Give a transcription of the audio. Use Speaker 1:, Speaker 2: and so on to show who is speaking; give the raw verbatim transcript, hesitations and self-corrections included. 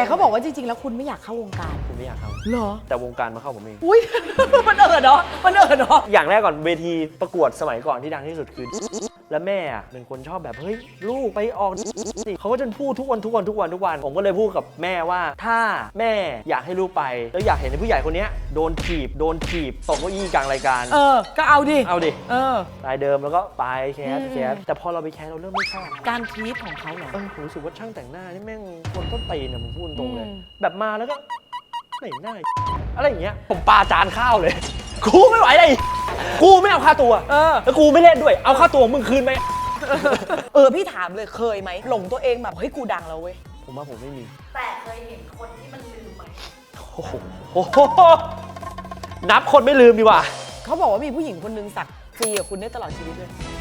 Speaker 1: แต่เขาบอกว่าจริงๆแล้วคุณไม่อยากเข้าวงการ
Speaker 2: ผมไม่อยากเข้า
Speaker 1: เหรอ
Speaker 2: แต่วงการมาเข้าผมเอง
Speaker 1: อุ้ย มันเอิดเนาะมันเอิดเนาะ
Speaker 2: อย่างแรกก่อนเวทีประกวดสมัยก่อนที่ดังที่สุดคือและแม่อะเป็นคนชอบแบบเฮ้ยลูกไปออกสิเขาก็จะพูดทุกวันทุกวันทุกวันทุกวันผมก็เลยพูดกับแม่ว่าถ้าแม่อยากให้ลูกไปแล้วอยากเห็นผู้ใหญ่คนนี้โดนถีบโดนถีบตกเก้าอี้กลางรายการ
Speaker 1: เออก็เอาดิ
Speaker 2: เอาดิ
Speaker 1: เออ
Speaker 2: รายเดิมแล้วก็ไปแคสแคสแต่พอเราไปแคสเราเริ่มไม่ชอบ
Speaker 1: การทีทของเขาเหรอ
Speaker 2: เออผมรู้สึกว่าช่างแต่งหน้านี่แม่งคนต้นตีนเนี่ยผมพูดตรงเลย
Speaker 1: อืม
Speaker 2: แบบมาแล้วก็ไหนหน้าอะไรอย่างเงี้ยผมปาจานข้าวเลย กูไม่ไหวเลยกูไม่เอาค่าตัว
Speaker 1: เออ
Speaker 2: แล้วกูไม่เล่นด้วยเอาค่าตัวมึงคืนไหม
Speaker 1: เออพี่ถามเลยเคยไหมหลงตัวเองแบบเฮ้ยกูดังแล้วเว้ย
Speaker 2: ผมว่าผมไม่มี
Speaker 3: แต่เคยเห็นคนที่มันลืมไหม
Speaker 2: โอ้โหโอ้โหนับคนไม่ลืมดีกว่า
Speaker 1: เขาบอกว่ามีผู้หญิงคนนึงสักฟรีกับคุณได้ตลอดชีวิตเลย